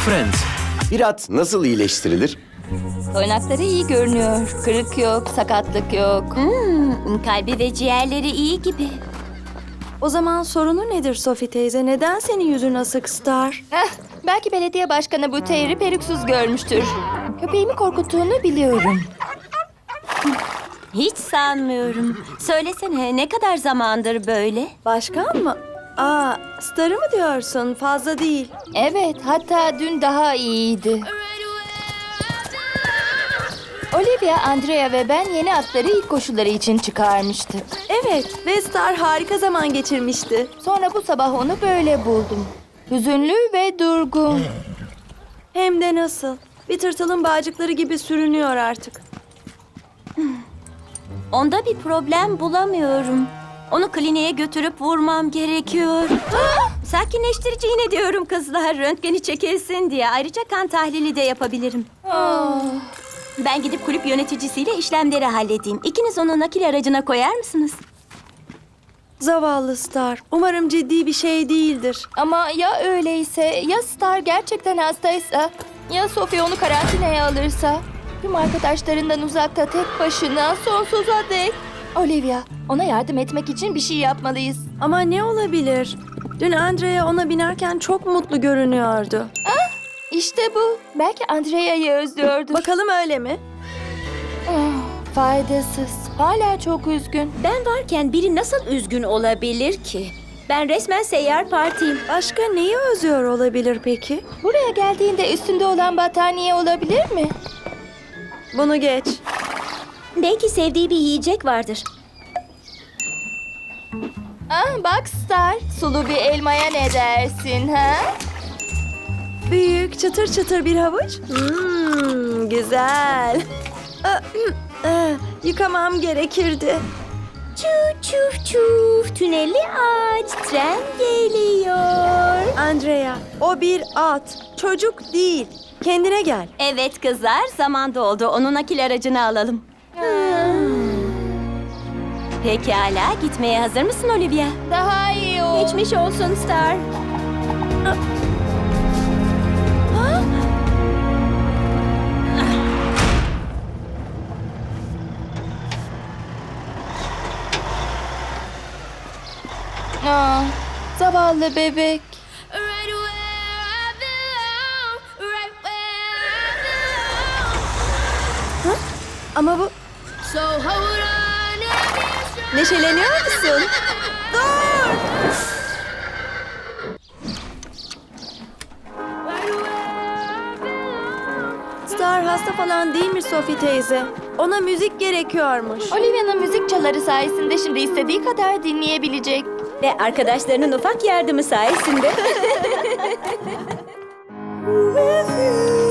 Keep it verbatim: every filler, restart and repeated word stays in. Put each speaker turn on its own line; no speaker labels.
Friends.
Bir at nasıl iyileştirilir?
Toynakları iyi görünüyor. Kırık yok, sakatlık yok.
Hmm, kalbi ve ciğerleri iyi gibi.
O zaman sorunu nedir Sophie teyze? Neden senin yüzün asık Star?
Heh, belki belediye başkanı bu Teyri peruksuz görmüştür. Köpeğimi korkuttuğunu biliyorum.
Hiç sanmıyorum. Söylesene, ne kadar zamandır böyle?
Başkan mı? Aa, Star'ı mı diyorsun? Fazla değil.
Evet, hatta dün daha iyiydi. Olivia, Andrea ve ben yeni atları ilk koşuları için çıkarmıştık.
Evet ve Star harika zaman geçirmişti.
Sonra bu sabah onu böyle buldum. Hüzünlü ve durgun.
Hem de nasıl? Bir tırtılın bağcıkları gibi sürünüyor artık.
Onda bir problem bulamıyorum. Onu kliniğe götürüp vurmam gerekiyor. Sakinleştirici iğne diyorum kızlar. Röntgeni çekilsin diye. Ayrıca kan tahlili de yapabilirim. Ben gidip kulüp yöneticisiyle işlemleri halledeyim. İkiniz onu nakil aracına koyar mısınız?
Zavallı Star. Umarım ciddi bir şey değildir.
Ama ya öyleyse, ya Star gerçekten hastaysa, ya Sophie onu karantinaya alırsa? Tüm arkadaşlarından uzakta tek başına sonsuza dek. Olivia, ona yardım etmek için bir şey yapmalıyız.
Ama ne olabilir? Dün Andrea ona binerken çok mutlu görünüyordu.
İşte bu. Belki Andrea'yı özlüyordur.
Bakalım öyle mi?
Ah, faydasız. Hala çok üzgün.
Ben varken biri nasıl üzgün olabilir ki? Ben resmen seyyar partiyim.
Başka neyi özlüyor olabilir peki?
Buraya geldiğinde üstünde olan battaniye olabilir mi?
Bunu geç.
Belki sevdiği bir yiyecek vardır.
Ah bak Star, sulu bir elmaya ne dersin ha?
Büyük, çıtır çıtır bir havuç. Hmm, güzel. Aa, aa, Yıkamam gerekirdi.
Çuf çuf çuf, tüneli aç, tren geliyor.
Andrea, o bir at. Çocuk değil. Kendine gel.
Evet kızlar, zaman doldu. Onu nakil aracına alalım. Hmm. Pekala, gitmeye hazır mısın Olivia?
Daha iyi ol.
Geçmiş olsun Star.
Aa, zavallı bebek.
Right where I belong, right where I belong.
Ama bu...
So hold on and be strong.
Neşeleniyor musun? Star hasta falan değil mi Sophie teyze? Ona müzik gerekiyormuş.
Olivia'nın müzik çaları sayesinde şimdi istediği kadar dinleyebilecek.
Ve arkadaşlarının ufak yardımı sayesinde.
With you.